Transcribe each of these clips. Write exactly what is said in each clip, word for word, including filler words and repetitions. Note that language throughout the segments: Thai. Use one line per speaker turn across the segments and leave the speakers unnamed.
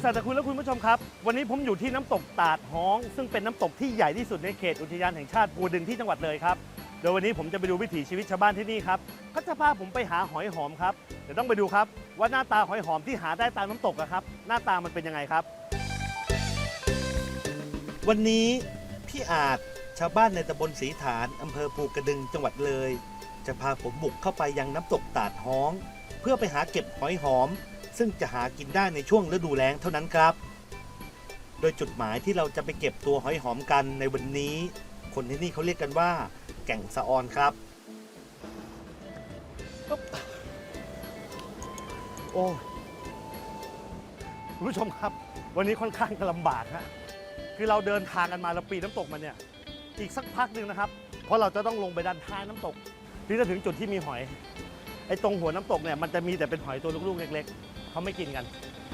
สัตคุณและคุณผู้ชมครับวันนี้ผมอยู่ที่น้ำตกตาดฮ้องซึ่งเป็นน้ำตกที่ใหญ่ที่สุดในเขตอุทยานแห่งชาติภูดึงที่จังหวัดเลยครับโดยวันนี้ผมจะไปดูวิถีชีวิตชาวบ้านที่นี่ครับก็จะพาผมไปหาหอยหอมครับเดี๋ยวต้องไปดูครับว่าหน้าตาหอยหอมที่หาได้ตามน้ำตกครับหน้าตามันเป็นยังไงครับวันนี้พี่อาจชาวบ้านในตำบลศรีฐานอำเภอภูกระดึงจังหวัดเลยจะพาผมบุกเข้าไปยังน้ำตกตาดฮ้องเพื่อไปหาเก็บหอยหอมซึ่งจะหากินได้ในช่วงฤดูแล้งเท่านั้นครับโดยจุดหมายที่เราจะไปเก็บตัวหอยหอมกันในวันนี้คนที่นี่เขาเรียกกันว่าแก่งสะออนครับโอ้คุณผู้ชมครับวันนี้ค่อนข้างจะลำบากฮะคือเราเดินทางกันมาเราปีนน้ำตกมาเนี่ยอีกสักพักหนึ่งนะครับเพราะเราจะต้องลงไปด้านท้ายน้ำตกที่จะถึงจุดที่มีหอยไอ้ตรงหัวน้ำตกเนี่ยมันจะมีแต่เป็นหอยตัวลูกๆเล็กๆเขาไม่กินกัน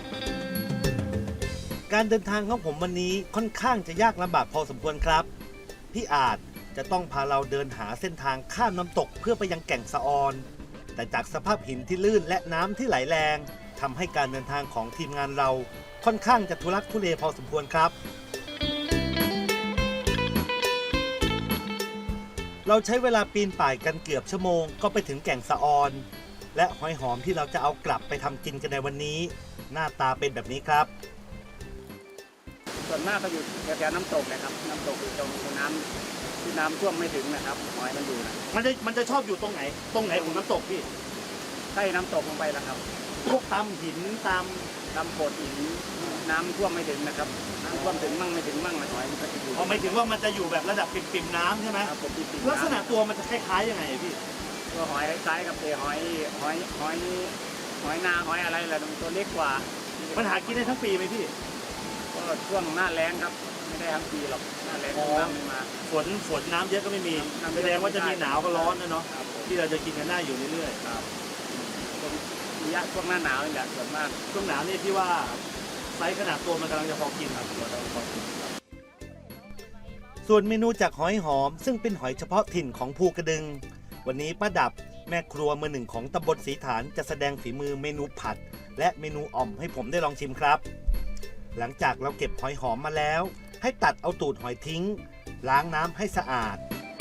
การเดินทางของผมวันนี้ค่อนข้างจะยากลำบากพอสมควรครับพี่อาจจะต้องพาเราเดินหาเส้นทางข้ามน้ำตกเพื่อไปยังแก่งสะออนแต่จากสภาพหินที่ลื่นและน้ำที่ไหลแรงทำให้การเดินทางของทีมงานเราค่อนข้างจะทุลักทุเลพอสมควรครับเราใช้เวลาปีนป่ายกันเกือบชั่วโมงก็ไปถึงแก่งสะออนและหอยหอมที่เราจะเอากลับไปทำกินกันในวันนี้หน้าตาเป็นแบบนี้ครับ
ส่วนมากก็อยู่แถวๆน้ำตกนะครับน้ำตกอยู่ตรงน้ำที่น้ำท่วมไม่ถึงนะครับหอยมันอยู่นะ
มันจะมันจะชอบอยู่ตรงไหนตรงไหนของน้ำตกพี่
ใต้น้ำตกลงไปแล้วครับ
พวกตามหินตาม
ตามโขดหินน้ำท่วมไม่ถึงนะครับน้ำท่วมถึงมั่งไม่ถึงมั่งหอยมันก็จะอยู่
อ๋อหมายถึงว่ามันจะอยู่แบบระดับปิ่มๆน้ำใช่ไหม
ครับผมปิ่ม
ๆลักษณะตัวมันจะคล้ายๆยังไงพี่
ตัวหอยคล้ายกับเอหอยหอยหอยหอยนาหอยอะไรแหละตัวเล็กกว่า
มันหากินได้ทั้งปีไหมพี่
ก็ช่วงหน้าแล้งครับไม่ได้ทั้งปีหรอกหน้าแล้งน้ำไม่มา
ฝนฝนน้ำเยอะก็ไม่มีแสดงว่าจะมีหนาวก็ร้อนนะเนาะที่เราจะกินกันได้อยู่เรื่อย
ๆครับระยะช่วงหน้าหนาวนี่แหละส่วนมาก
ช่วงหนาวนี่ที่ว่าไซส์ขนาดตัวมันกำลังจะพอกินครับส่วนเมนูจากหอยหอมซึ่งเป็นหอยเฉพาะถิ่นของภูกระดึงวันนี้ป้าดับแม่ครัวมือหนึ่งของตำบลศรีฐานจะแสดงฝีมือเมนูผัดและเมนูอ่อมให้ผมได้ลองชิมครับหลังจากเราเก็บหอยหอมมาแล้วให้ตัดเอาตูดหอยทิ้งล้างน้ำให้สะอาด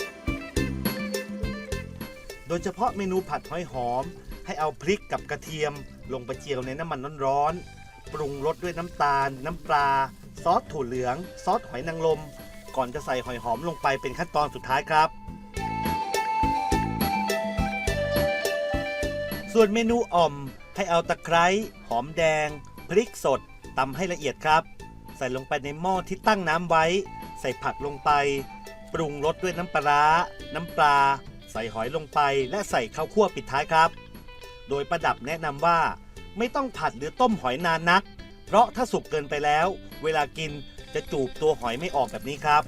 โดยเฉพาะเมนูผัดหอยหอมให้เอาพริกกับกระเทียมลงไปเจียวในน้ำมันร้อนๆปรุงรสด้วยน้ำตาลน้ำปลาซอสถั่วเหลืองซอสหอยนางรมก่อนจะใส่หอยหอมลงไปเป็นขั้นตอนสุดท้ายครับส่วนเมนูอ่อมให้เอาตะไคร้หอมแดงพริกสดตำให้ละเอียดครับใส่ลงไปในหม้อที่ตั้งน้ำไว้ใส่ผักลงไปปรุงรสด้วยน้ำปลาน้ำปลาใส่หอยลงไปและใส่ข้าวคั่วปิดท้ายครับโดยประดับแนะนำว่าไม่ต้องผัดหรือต้มหอยนานนักเพราะถ้าสุกเกินไปแล้วเวลากินจะจูบตัวหอยไม่ออกแบบนี้ครับ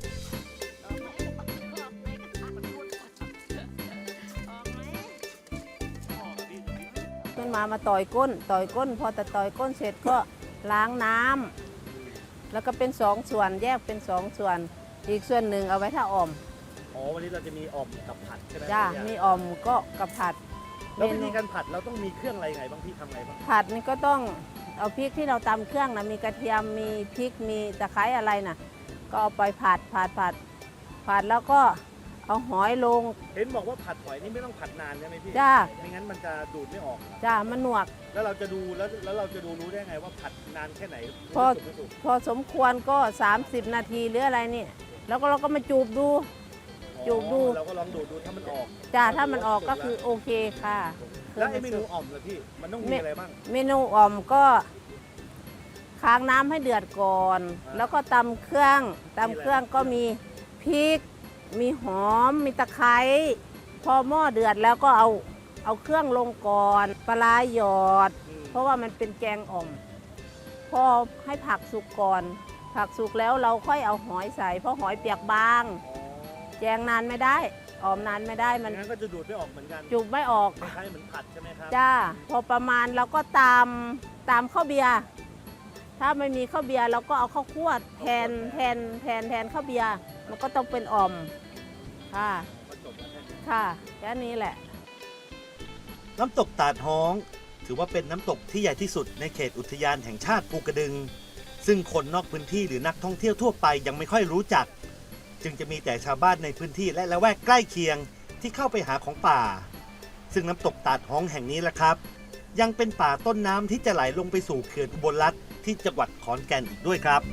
มันมามาต่อยก้นต่อยก้นพอแต่ต่อยก้นเสร็จก็ล้างน้ำแล้วก็เป็นสองส่วนแยกเป็นสองส่วนอีกส่วนหนึ่งเอาไว้ถ้าอ่อม
อ๋อวันนี้เราจะมีอ่อมกับผัดใช่ไหม
จ้ามีอ่อมก็กับผัด
แล้ววิธีการผัดเราต้องมีเครื่องอะไรไงบ้างพี่ทำไงบ้าง
ผัดนี่ก็ต้องเอาพริกที่เราตำเครื่องนะมีกระเทียมมีพริกมีตะไคร้อะไรนะก็เอาไปผัดผัดผัดผัดแล้วก็เอาหอยลง
เห็นบอกว่าผัดหอยนี่ไม่ต้องผัดนานใช่ไหมพี่
จ้า
ไม่งั้นมันจะดูดไม่ออก
จ้ามันหนวก
แล้วเราจะดูแล้วแล้วเราจะดูรู้ได้ไงว่าผัดนานแค่ไหน
พอพอสมควรก็สามสิบนาทีหรืออะไรนี่แล้วก็เราก็มาจูบดูจูบดู
เราก็ลองดูดูถ้ามันออก
จ้าถ้ามันออกก็คือโอเคค่ะ
แล้วไอ้เมนูอ่อมล่ะพี่มันต้องมีอะไรบ้าง
เมนูอ่อมก็ค้างน้ำให้เดือดก่อนแล้วก็ตำเครื่องตำเครื่องก็มีพริกมีหอมมีตะไคร้พอหม้อเดือดแล้วก็เอาเอาเครื่องลงก่อนปลาหยอดเพราะว่ามันเป็นแกงอ่อมพอให้ผักสุกก่อนผักสุกแล้วเราค่อยเอาหอยใส่เพราะหอยเปียกบางแกงนานไม่ได้อ่อมนานไม่ได้มัน
งั้นก็จะดูดไม่ออกเหมือนกัน
จูบไม่ออก
คล้ายๆเหมือนผัดใช่ไหมครับ
จ้าพอประมาณเราก็ตามตามข้าวเบียร์ถ้าไม่มีข้าวเบียร์เราก็เอาข้าวคั่วแทนแทนแทนแทนข้าวเบียร์มันก็ต้องเป็นอ่อมค่ะค่ะแค่นี้แหละ
น้ำตกตาดฮ้องถือว่าเป็นน้ำตกที่ใหญ่ที่สุดในเขตอุทยานแห่งชาติภูกระดึงซึ่งคนนอกพื้นที่หรือนักท่องเที่ยวทั่วไปยังไม่ค่อยรู้จักจึงจะมีแต่ชาวบ้านในพื้นที่และละแวกใกล้เคียงที่เข้าไปหาของป่าซึ่งน้ำตกตาดฮ้องแห่งนี้แหละครับยังเป็นป่าต้นน้ำที่จะไหลลงไปสู่เขื่อนอุบลรัตน์ที่จังหวัดขอนแก่นอีกด้วยครับ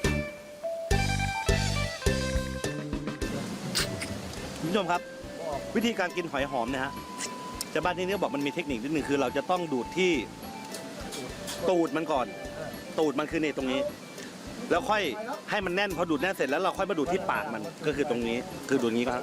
คุณผู้ชมครับวิธีการกินหอยหอมเนี่ยฮะชาวบ้านที่นี่บอกมันมีเทคนิคนิดนึงคือเราจะต้องดูดที่ตูดมันก่อนตูดมันคือในตรงนี้แล้วค่อยให้มันแน่นพอดูดแน่นเสร็จแล้วเราค่อยมาดูดที่ปากมันก็คือตรงนี้คือดูดนี้ครับ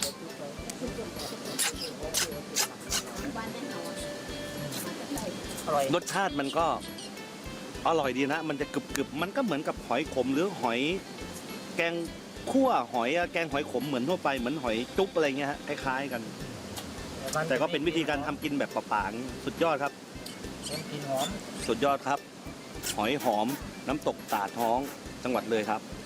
รสชาติมันก็อร่อยดีนะมันจะกรึบๆมันก็เหมือนกับหอยขมหรือหอยแกงคั่วหอยแกงหอยขมเหมือนทั่วไปเหมือนหอยจุ๊บอะไรเงี้ยฮะคล้ายๆกันแต่ก็เป็นวิธีการทำกินแบบเปล่าๆสุดยอดครับสุดยอดครับหอยหอมน้ำตกตาดฮ้องจังหวัดเลยครับ